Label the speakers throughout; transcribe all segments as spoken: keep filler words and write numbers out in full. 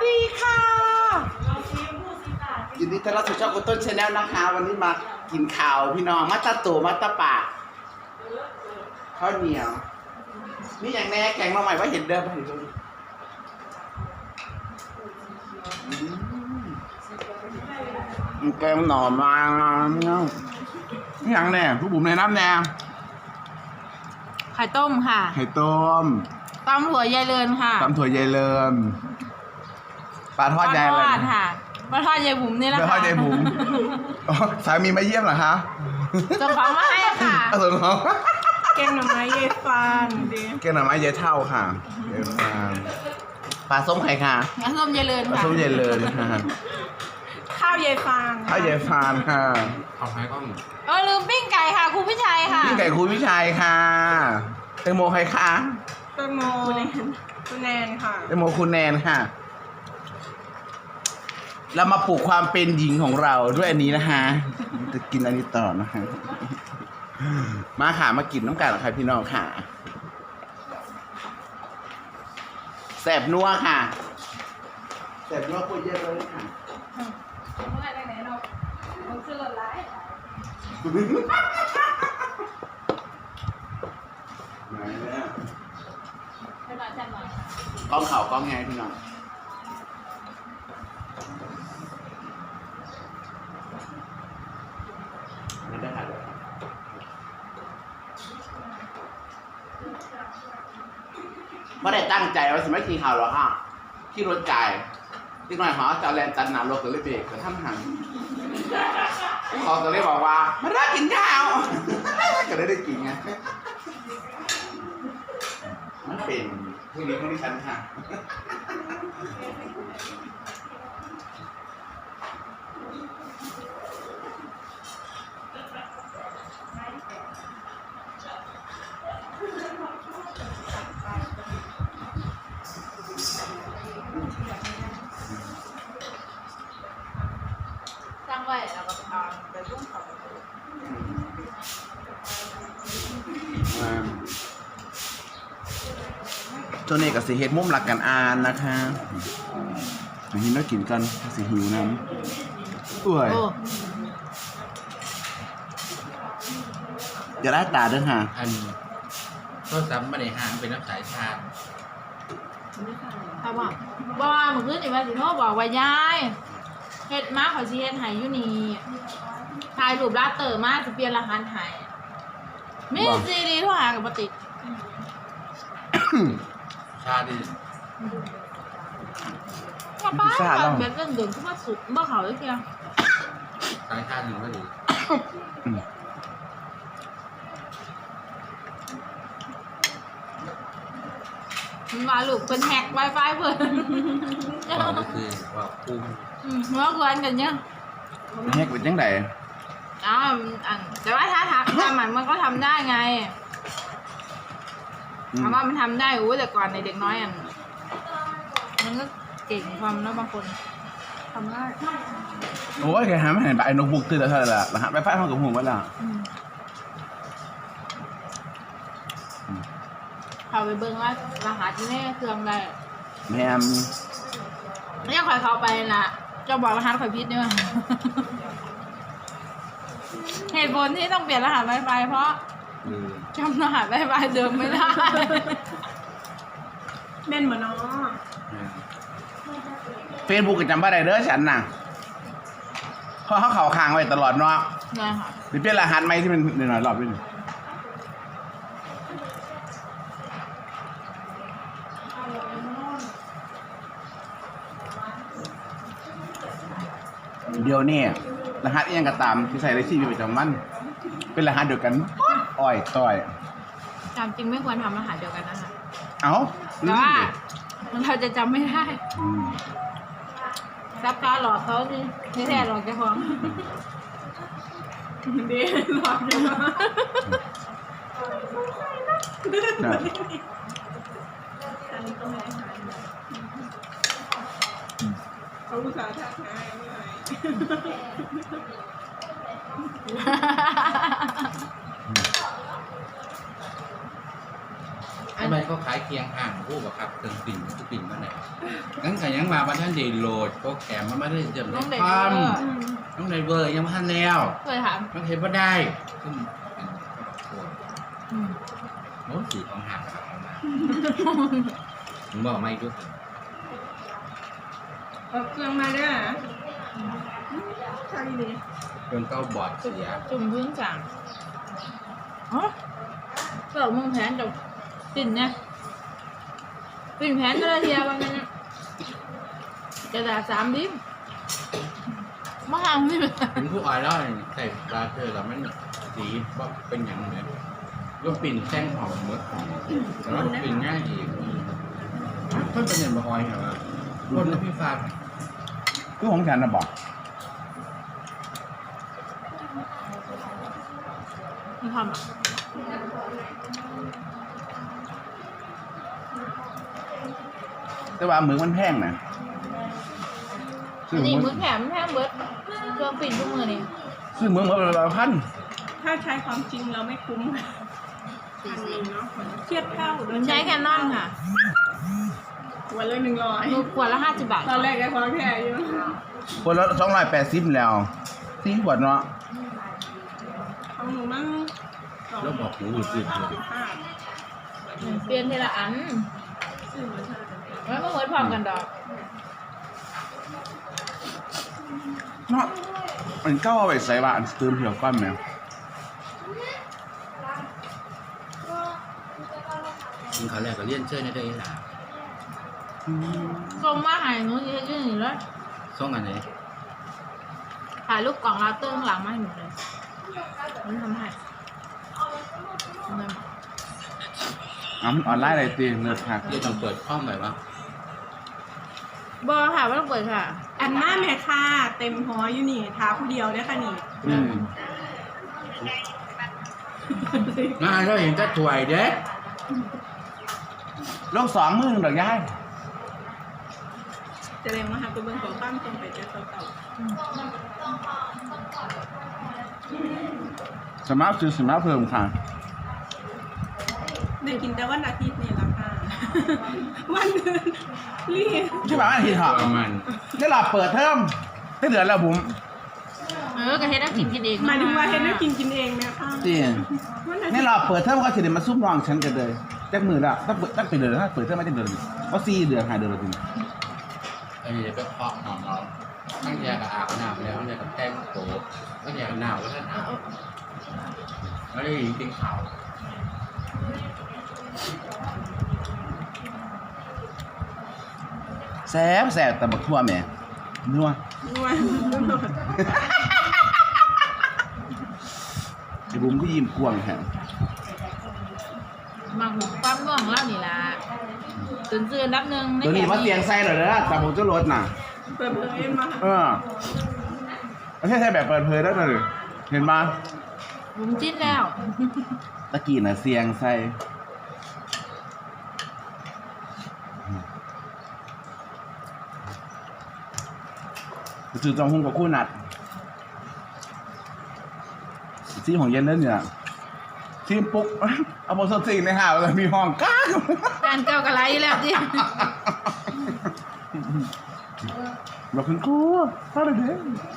Speaker 1: ดีค่ะยินดีต้อนรับสู่ช่องคุณต้นชาแนลนะคะวันนี้มากินข้าวพี่น้องมัตตาตูมัตตาปากข้าวเหนียวนี่อย่างแน่แกงมาใหม่ว่าเห็นเดิมเห็นเดิมแกงหน่อมานี่อย่างแน่ผู้บุ๋มในน้ำแน่
Speaker 2: ไข่ต้มค่ะ
Speaker 1: ไข่ต้ม
Speaker 2: ตำถั่วยายเลินค่ะ
Speaker 1: ตำถั่วยายเลินปลาทอดยายเลย
Speaker 2: ค่ะปลาทอดยายบุ๋มนี่แหละค่ะ
Speaker 1: ปลาทอดยายบุ๋มสามีมาเยี่ยมเหรอคะ
Speaker 2: ส่งของมาให้ค่ะ
Speaker 1: ส่งของ
Speaker 2: แกงหน่อไม้ยายฟางดิ
Speaker 1: แกงหน่อไม้ยายเท่าค่ะยายฟางปลาส้มไข่ค่ะ
Speaker 2: ปลาส้มยายเลินค่ะ
Speaker 1: ปลาส้มยายเลินค่ะ
Speaker 2: ข้าวยายฟาง
Speaker 1: ข้าวยายฟางค่ะ
Speaker 3: เอาให้ก้อง
Speaker 2: เออลืมปิ้งไก่ค่ะครูพิชัยค่ะ
Speaker 1: ปิ้งไก่ครูพิชัยค่ะแตงโมใครคะ
Speaker 2: แตงโมคุณแนนค่ะ
Speaker 1: แตงโมคุณแนนค่ะเรามาปลูกความเป็นหญิงของเราด้วยอันนี้นะคะจะกินอันนี้ต่อนะคะมาค่ะมากินน้ำกันหรอคะพี่น้องค่ะแสบนัวค่ะแสบนัวพูดเยอะเลยค่ะเมื่อไหร่ไหนเราเราซื้อรถไล่ไหนเนี่ยกล้องเข่ากล้องไงพี่น้องไม่ได้ค่ะไม่ได้ตั้งใจว่าจะไม่ขี่ข่าวหรอกค่ะขี่รถไก่ที่หน่อยเขาจะแลนตันหนารถก็เลยเบรกแต่ท่านหันเขาก็เลยบอกว่าไม่ได้กินข้าวก็เลยได้กินไงมันเป็นพวกนี้พวกนี้ฉันค่ะ
Speaker 2: ตั้งไว้แล้วก็เอาไปรุ่งเขา
Speaker 1: ตัวนี้กับสีเฮ็ดมุมหลักกันอ่านนะคะมาหินแล้วกินกันสีหิวน้ำอุ้ยอย่าได้ตาด้วยค่ะ
Speaker 3: อันก็ซ้ำมาในห้างเป็นนักสายชาติ
Speaker 2: ถามว่าว่าเมื่อคืนอีวันสิโน่บอกว่ายายเฮ็ดมาขอชีเฮ็ดหายอยู่นี่ถ่ายรูปลาเตอร์มาจะเปลี่ยนรหัสหายมีซีดีโทรหากับปติ
Speaker 3: ชาดี
Speaker 2: ป้าป้าแบบเดินเดินขึ้นมาสุดเมื่อเขาเลยเพียง
Speaker 3: สายชาติหนึ่งก็ดี
Speaker 2: มันมาลูกเป็นแฮกไวไฟเพิ่น
Speaker 3: ว่าก็คือว่าคุ้ม
Speaker 2: เมื่อคืนกันเนี่ย
Speaker 1: แฮกเป็นยังไง
Speaker 2: อ๋ออันแต่ว่าถ้าทำทำมันมันก็ทำได้ไงถามว่ามันทำได้โอ้แต่ก่อนในเด็กน้อยอ่ะมันก็เก่งความแล้วบางคนทำได้
Speaker 1: โอ้ยแกหาไม่เห็นใบนกบุกตื่นแล้วเท่าไหร่ละรหัสไวไฟห้องกับหูไว้ละ
Speaker 2: เขาไปเบิ้งว่ารหัสที่แม่เครื่องได้
Speaker 1: แม่
Speaker 2: ไม่ยังคอยเขาไปนะจะบอกรหัสคอยพิษด้วยเหตุผลที่ต้องเปลี่ยนรหัสไวไฟเพราะจำรหัสไวไฟเดิมไม่ได้เม่นเหมือนน้อง
Speaker 1: เฟซบุ๊กจำไม่ได้เด้อฉันน่ะเพราะเขาเข่าค้างไว้ตลอดเนาะ
Speaker 2: ใช่ค่ะ
Speaker 1: หรือเปลี่ยนรหัสไหมที่มันหน่อยๆรอบนึงเดี๋ยวนี้รหัสยังกระตามที่ใส่ในชีวิตประจำวันเป็นรหัสเดียวกันอ้อยต้อย
Speaker 2: จำจริงไม่ควรทำรหัสเดียวกันนะคะ
Speaker 1: เอ้า
Speaker 2: แต่ว่าเราจะจำไม่ได้รับการหลอกเขาที่ที่แท้หลอกแกฟ้องดีหลอกอยู่เขาอุตส่าห์ทักทายไม่ไหวอัน
Speaker 3: ไปเขาขายเคียงห่างคู่กับครับเครื่องปิ่นทุกปิ่นมาไหนงั้นก็ยังมาวันท่านเดโหลดโปรแกรมมันไม่ได้เดิม
Speaker 2: น้องเด็ก
Speaker 3: ค
Speaker 2: เอ
Speaker 3: วาม
Speaker 2: อ
Speaker 3: ต้องในเวอร์ยังไม่ทันแล้ว
Speaker 2: เคยถาม
Speaker 3: ต้องเห็นว่าได้ซึ่งเป็นโอ้
Speaker 2: อืม
Speaker 3: โหสีของห่างครับผมบอกไม่ด้วย
Speaker 4: เอาเครื่องมาด้วยนะใช่ดิ
Speaker 3: เครื่องเก้าบอร์ดเสีย
Speaker 2: จุ่มพื้นสั่งอ๋อเกิดมึงแผนจะปิ่นเนี่ยปิ่นแผนก็ได้เทียวันนั้นจะด่าสามดิมาหาพี่เลย
Speaker 3: ถึงผู้อ่อยแล้วใส่ปลาเธอแล้วมันสีว่าเป็นอย่างไรก็ปิ่นแท่งหอมเมื่อหอมแล้วปิ่นง่ายอีกเพิ่มเป็นอย่างบะออยเหรอคนแล้วพี่ฟ้า
Speaker 1: คือของฉันนะบอก
Speaker 2: มึงทำอ่ะ
Speaker 1: แต่ว่ามือมันแพงนะซื้
Speaker 2: อั
Speaker 1: อน
Speaker 2: นี้
Speaker 1: มื
Speaker 2: มื
Speaker 1: อ
Speaker 2: อแถมแถมเบิร์ดเครื่องปิ่นทุกมือนี่
Speaker 1: ซื้อมือมาละพัน
Speaker 4: ถ้าใช้ความจริงเราไม่คุ้มพันหนึ่งเนาะเทียบเท่าโด
Speaker 2: มันใช้แคนนอนค่ะ
Speaker 4: วันละหนึ่งร้อย
Speaker 2: หนูขวดละห้าสิบบาท
Speaker 4: ตอนแรกไอ้ความแค่อยู่
Speaker 1: คนละสองร้อยแปดสิบแล้วสี่ขวดเนาะ
Speaker 4: ของหนูมั่งสอง
Speaker 3: แล้วบอกหูหืดๆเลย
Speaker 4: ห้า
Speaker 2: เปลี่ยนทีละอัน
Speaker 4: ซื้อมาเท่าไหร่
Speaker 2: แล้วก็เหมือนพร้อมกันดอก
Speaker 1: เนาะมันเก้าเอาไปใส่ว่าอันเติมเหี่ยวก้อนแมว
Speaker 3: คุณเขาแรกก็เลี่ยนเชื่อในได้หนา
Speaker 2: ส่งมาใหายหนูจะยื่นอยู่แล้ว
Speaker 3: ส่งอันไหน
Speaker 2: ถ่ายรูปกล่องลาเตอร์ข้างหลังมาให้หนูเลยมันทำให้ทำไม
Speaker 1: อ้าวมันออนไลน์อะไรตีเลือดหัก
Speaker 3: เรียกต้องเปิดข้อมหน่อยว่า
Speaker 2: บอค่ะไม่ต้องเปิดค่ะ
Speaker 4: อันหน้าแม่ค่ะเต็มหออยู่นี่ท้าผู้เดียวได้ค่ะนี่
Speaker 1: อืม
Speaker 3: งานเราเห็นก็ถวยเด้
Speaker 1: โลกสองมือหนึ่งดอกย้าย
Speaker 4: แสดงว่าหากตัวเบิ้งของตั้งตรงไปเจอเก่า
Speaker 1: สมาร์ทซื้อสมาร์ทเพิ่มค่ะ
Speaker 4: ๆได้กินแต่วันอาทิตย์นี่ละค่ะ วันอื่นรีบ
Speaker 1: ใช่ป่ะอันที่ถอด
Speaker 3: ประมาณ
Speaker 1: นี่เราเปิดเทอมได้เดือนแล้วผม
Speaker 2: เออกระเฮ็ดน้ำกินกินเอง
Speaker 4: หมายถึงว่าเห็นนักกินกินเองไหมคะ
Speaker 1: จริง
Speaker 4: วันอาทิ
Speaker 1: นี่
Speaker 4: ตย์
Speaker 1: เราเปิดเทอมก็จะเดี๋ยวมาซุ่มรองฉันกันเลยแจ็คมือละตั้งเปิดตั้งเป็นเดือนถ้าเปิดเทอมไม่ได้เดือนเพราะสี่เดือนหายเดือนละที
Speaker 3: ไอ้เดี๋ยวไปเคาะหอมเราตั้งยากับอาบน้ำแล้วตั้งยากับแก้มโตตั้งยากับหนาวก็ท่านอาบแล้วได้ยินเสียงข่าว
Speaker 1: แซ่บแซ่บแต่บักทั่วแม่นัว
Speaker 4: วัน
Speaker 1: ไอ้บุ้มก็ยิ้มกวางแฮะ
Speaker 2: มังความง่วงเล่านี่ล่ะตื่นตื่นนับหนึ่ง
Speaker 1: เดี๋ยวนี้มาเสียงใส่หน่อยนะแต่ผมจะลดน่ะ
Speaker 4: เปิดเผยมา
Speaker 1: เออไม่ใช่ใช่แบบเปิดเผยแล้วเลยเห็นมา
Speaker 2: ผมจิ้นแล้ว
Speaker 1: ตะกี้น่ะเสียงใส่จืดจองหุ้งกับคู่นัดซีของเย็นเล่นเนี่ยทีมปุ๊กเอาโมโซซิงในหาเลยมีห้องก้า
Speaker 2: แฟนเก่ากะไรอยู่แล้วดิ
Speaker 1: บอกคุณครูเข้าเลยเด้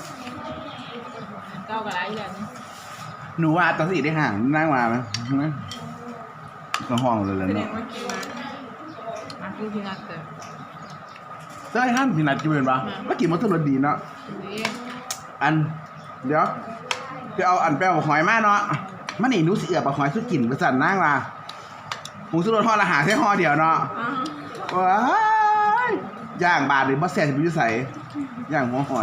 Speaker 2: เก่ากะไรอยู่แล้วนี่
Speaker 1: หนูว่าตอนสี่ได้ห่างนั่งมาไหมนะก็ห้องเลยเลย
Speaker 4: แสด
Speaker 1: เนาะ
Speaker 4: งว่ากินมา
Speaker 2: อ่ะคือพี่นัทเกิด
Speaker 1: เจ้าไอ้ท่านพี่นัดกินเป็นปะเมื่อกี้มันตัวรถดีเนาะ
Speaker 2: นี่
Speaker 1: อัน เดี๋ยวจะเอาอันแป้วหอยมาเนาะมันนี่หนูสิเอือบเอาหอยสุดกลิ่นประสันนั่งมาหมูสุดรถห่อละหาแค่ห่อเดียวเนาะ
Speaker 4: อ๋อ
Speaker 1: ว้ายย่างบาทหรือบัสแซ่จะไปอยุ่ใส่ย่างหัวหอย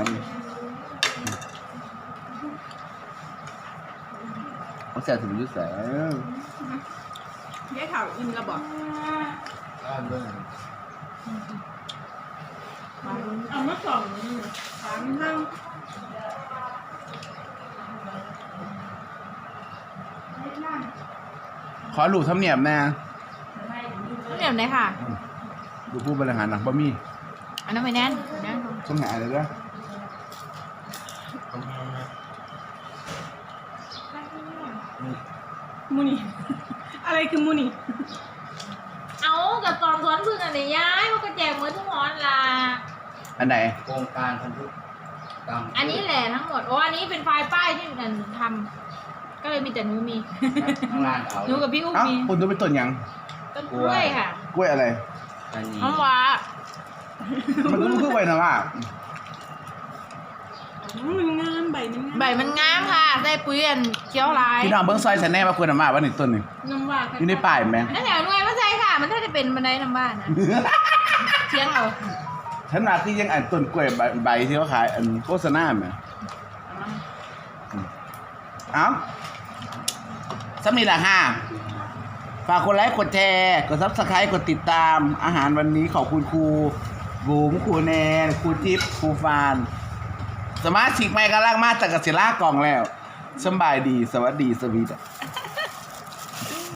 Speaker 1: บัสแซ่จะไปอยุ่ใส่
Speaker 4: แยกข่าวอินระบอก
Speaker 3: ก็เรื่อง
Speaker 4: เอามาสองสามห้าง
Speaker 1: ขอหลูทำเนียบแน่
Speaker 2: เดี๋ยวไหนค่ะ
Speaker 1: ดูผู้บริหารหนังบะหมี่
Speaker 2: อันนั้นไม่แน่นแน่น
Speaker 1: สมหาเลยเด้อ
Speaker 4: มูนี่ อะไรคือมูนี่
Speaker 2: กับตอนสวนพึ่งอันนี้ย้ายเขาก็แจกมือทุกหอนล่ะ
Speaker 1: อันไหน
Speaker 3: โครงการพันธุกรรม
Speaker 2: อันนี้แหละทั้งหมดโอ้อันนี้เป็นไฟล์ป้ายที่นันทำก็เลยมีแต่หนูมี
Speaker 3: ข้างล่างเอา
Speaker 2: หนูกับพี่อุ้ม
Speaker 1: เอ้า
Speaker 2: มี
Speaker 1: คุณดูเป็นต้นหยัง
Speaker 2: ต้นกล้วยค่ะ
Speaker 1: กล้วยอะไร
Speaker 3: อันนี้
Speaker 2: น้ำว้า
Speaker 1: มันก็คือไว้นะว่า
Speaker 4: มันงามใบมันงาม
Speaker 2: ใบมันงามค่ะได้ปุ๋ยอันเขียวลาย
Speaker 1: พี่น้องเบิ้งซอยฉันแน่ว่าควรนะมาว่าหนึ่งต้นหนึ่ง
Speaker 4: น้ำว่า
Speaker 1: อยู่ในป่ายไหม
Speaker 2: นั่นแถวหน่วยไม่ใช่ค่ะ มันถ้าจะเป็นบันไดน้ำบ้านนะเชียงเอา
Speaker 1: ฉันมาที่ยังอ่านต้นกล้วยใบใบที่เขาขายอันโฆษณาไหมเอ้าสมีละห้าฝากกดไลค์กดแชร์กดซับสไครต์กดติดตามอาหารวันนี้ขอบคุณครูบุ๋มครูแนนครูจิ๊บครูฟานสมาชิกใหม่กำลังมาจากกสิลากล่องแล้วสำบายดีสวัสดีสวีด